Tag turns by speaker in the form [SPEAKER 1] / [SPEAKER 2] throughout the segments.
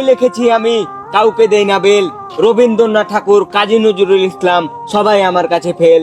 [SPEAKER 1] লিখেছি আমি, কাউকে দেই না বেল। রবীন্দ্রনাথ ঠাকুর, কাজী নজরুল ইসলাম, সবাই আমার কাছে ফেল।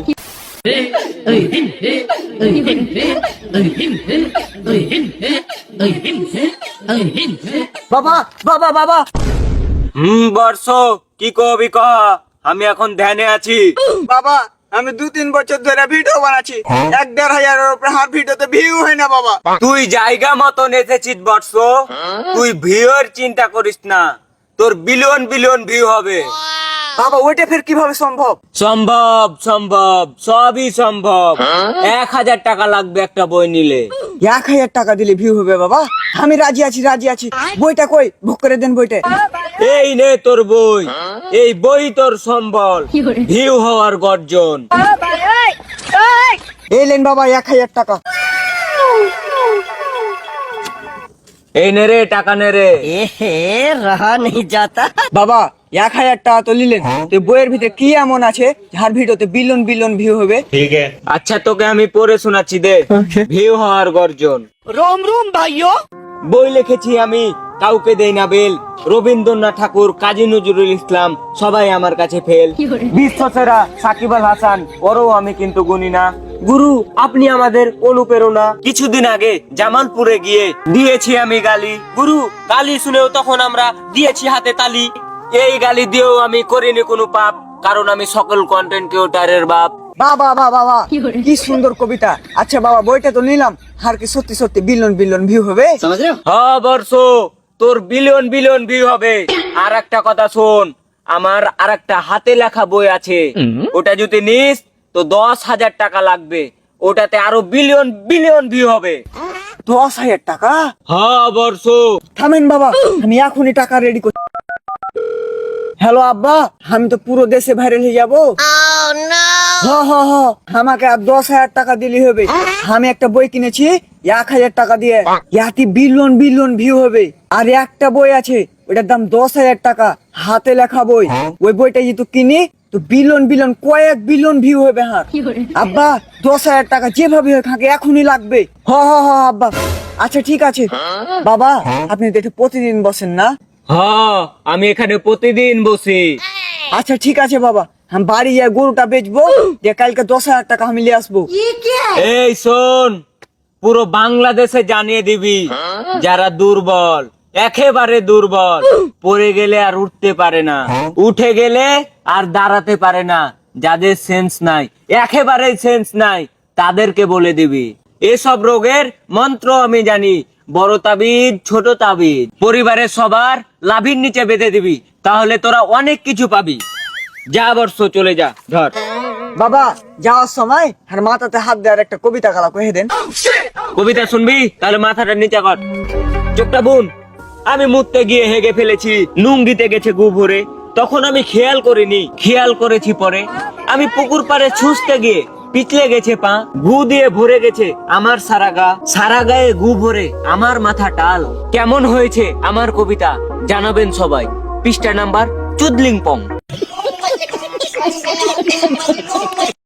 [SPEAKER 2] বাবা বাবা বাবা
[SPEAKER 1] বর্ষ কি কবি কহ, আমি এখন ধ্যানে আছি।
[SPEAKER 2] বাবা, আমি 2-3 বছর ধরে ভিডিও বানাচ্ছি, 1-1.5 উপরে হার ভিডিওতে ভিউ হয় না বাবা।
[SPEAKER 1] তুই জায়গা মতন এসেছিস বর্ষ, তুই ভিউর চিন্তা করিস না, তোর বিলিয়ন বিলিয়ন ভিউ হবে।
[SPEAKER 2] বাবা ওইটা ফের কিভাবে সম্ভব?
[SPEAKER 1] সম্ভব সম্ভব, সবই সম্ভব। 1000 টাকা লাগবে একটা বই নিলে।
[SPEAKER 2] 1000 টাকা দিলে ভিউ হবে বাবা? আমি রাজি আছি, রাজি আছি। বইটা কই, বুক করে দেন বইটা।
[SPEAKER 1] এই নে তোর বই, এই বই তোর সম্বল, ভিউ হওয়ার গর্জন।
[SPEAKER 2] এই লেন বাবা 1000 টাকা।
[SPEAKER 1] এই নে রে টাকা নে রে।
[SPEAKER 2] রহা নেই যাতা। বাবা 1000 টাকা তো নিলেন, তো বইয়ের ভিতরে কি এমন আছে যার ভিডিওতে বিলিয়ন বিলিয়ন ভিউ হবে?
[SPEAKER 1] আচ্ছা তোকে আমি পড়ে শোনাচ্ছি দে। ভিউ হওয়ার গর্জন।
[SPEAKER 2] রোম রোম ভাইও।
[SPEAKER 1] বই লিখেছি আমি, কাউকে দেই না বেল। রবীন্দ্রনাথ ঠাকুর, কাজী নজরুল ইসলাম, সবাই আমার কাছে ফেল। বিশ্বসেরা সাকিব আল হাসান, ওরও আমি কিন্তু গুনি না। গুরু আপনি আমাদের অনুপ্রেরণা। কিছুদিন আগে জামালপুরে গিয়ে দিয়েছি আমি গালি। গুরু গালি শুনেও তখন আমরা দিয়েছি হাতে তালি। এই গালি দিয়েও আমি করিনি কোনো পাপ, কারণ আমি সকল কন্টেন্ট ক্রিয়েটরের বাপ।
[SPEAKER 2] বাবা বাবা বাবা, কি সুন্দর কবিতা। আচ্ছা বাবা বইটা তো নিলাম, আর কি সত্যি সত্যি বিলিয়ন বিলিয়ন ভিউ হবে?
[SPEAKER 1] হ্যাঁ বর্ষ, তোর বিলিয়ন বিলিয়ন ভিউ হবে। আর একটা কথা শোন, আমার আর একটা হাতে লেখা বই আছে, ওটা যদি নিস তো 10,000 টাকা লাগবে। ওটাতে আরো বিলিয়ন বিলিয়ন ভিউ হবে।
[SPEAKER 2] 10,000 টাকা?
[SPEAKER 1] হ্যাঁ বর্ষ।
[SPEAKER 2] থামেন বাবা, আমি এখনই টাকা রেডি করছি। হ্যালো আব্বা, আমি তো পুরো দেশে ভাইরাল হয়ে যাবো। আমাকে আর 10,000 টাকা দিলে হবে। আমি একটা বই কিনেছি 1,000 টাকা দিয়ে, ইয়াতে বিলিয়ন বিলিয়ন ভিউ হবে। আর একটা বই আছে, ওটার দাম 10,000 টাকা, হাতে লেখা বই। ওই বইটা যদি কিনি তো বিলিয়ন বিলিয়ন কয়েক বিলিয়ন ভিউ হবে। হ্যাঁ আব্বা, 10,000 টাকা যেভাবে হোক আমাকে এখনই লাগবে। আব্বা আচ্ছা ঠিক আছে। বাবা আপনি তো এটা প্রতিদিন বসেন না?
[SPEAKER 1] হ্যাঁ আমি এখানে প্রতিদিন বসি।
[SPEAKER 2] আচ্ছা ঠিক আছে বাবা, আমি বাড়ি যাই গরুটা বেচবো, দিয়ে কালকে 10,000 টাকা আমি নিয়ে আসবো।
[SPEAKER 1] এই শোন, পুরো বাংলাদেশে জানিয়ে দিবি, যারা দুর্বল, একেবারে দুর্বল, পড়ে গেলে আর উঠতে পারে না, উঠে গেলে আর দাঁড়াতে পারে না, যাদের সেন্স নাই, একেবারে সেন্স নাই, তাদেরকে বলে দিবি এসব রোগের মন্ত্র আমি জানি। বড় তাবিজ, ছোট তাবিজ, পরিবারের সবার লাভির নিচে বেঁধে দিবি, তাহলে তোরা অনেক কিছু পাবি। যা বর্ষ, চলে যা, ধর।
[SPEAKER 2] বাবা যাওয়ার সময় আর মাথাতে হাত দেওয়ার একটা কবিতা গালা কহে দেন।
[SPEAKER 1] কবিতা শুনবি? তাহলে মাথাটা নিচে কর, চোখটা বুন। আমি মুততে গিয়ে হেগে ফেলেছি, নুন দিতে গেছে গু ভরে, তখন আমি খেয়াল করিনি, খেয়াল করেছি পরে। আমি পুকুর পাড়ে ছুঁচতে গিয়ে পিছলে গেছে পা, গু দিয়ে ভরে গেছে আমার সারা গা, সারা গায়ে গু ভরে আমার মাথা টাল। কেমন হয়েছে আমার কবিতা জানাবেন সবাই। পৃষ্ঠা নাম্বার চুদলিং পং।